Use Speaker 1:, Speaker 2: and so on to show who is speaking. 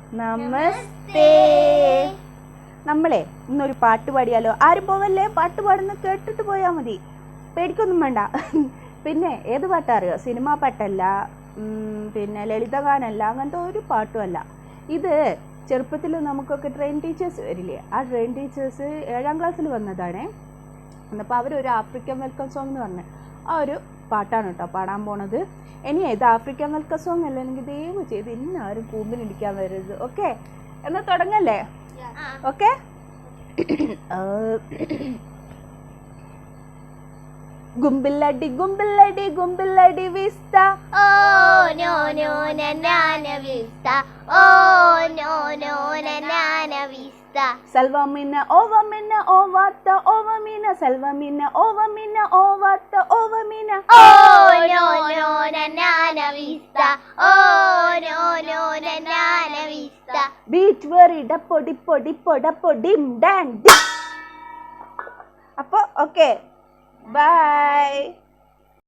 Speaker 1: നമസ്തേ. നമ്മളെ ഇന്നൊരു പാട്ട് പാടിയാലോ? ആരും പോവല്ലേ, പാട്ട് പാടുന്ന കേട്ടിട്ട് പോയാൽ മതി, പേടിക്കൊന്നും വേണ്ട. പിന്നെ ഏത് പാട്ടാ അറിയോ? സിനിമാ പാട്ടല്ല, പിന്നെ ലളിതഗാനല്ല, അങ്ങനത്തെ ഒരു പാട്ടും അല്ല. ഇത് ചെറുപ്പത്തിൽ നമുക്കൊക്കെ ട്രെയിൻ ടീച്ചേഴ്സ് വരില്ലേ, ആ ട്രെയിൻ ടീച്ചേഴ്സ് 7ാം ക്ലാസ്സിൽ വന്നതാണേ. എന്നപ്പോൾ അവരൊരു ആഫ്രിക്കൻ വെൽക്കം സോങ് എന്ന് പറഞ്ഞ ആ ഒരു പാട്ടാണ് കേട്ടോ പാടാൻ പോണത്. ഇനി ഇത് ആഫ്രിക്കൻ വെൽക്കം സോങ് അല്ല, എനിക്ക് ദയവ് ചെയ്ത് ഇന്നാരും കൂമ്പിനിടിക്കാൻ വരരുത്. ഓക്കെ, എന്നാൽ തുടങ്ങല്ലേ? ഓക്കെ. ഗുംബില്ലടി ഗുംബില്ലടി ഗുംബില്ലടി വിസ്ത,
Speaker 2: ഓ നോ നോ നനാന വിസ്ത, ഓ നോ നോ നനാന വിസ്ത.
Speaker 1: സൽവമിന ഓവമിന ഓവാത്ത ഓവമിന, സൽവമിന ഓവമിന ഓവാത്ത ഓവമിന,
Speaker 2: ഓ നോ നോ നനാന വിസ്ത, ഓ നോ നോ നനാന വിസ്ത.
Speaker 1: ബീച്ച് വെറി ഡപ്പൊടി പൊടി പൊടപ്പൊടിം ഡാൻ. അപ്പോൾ ഓക്കെ, ബൈ.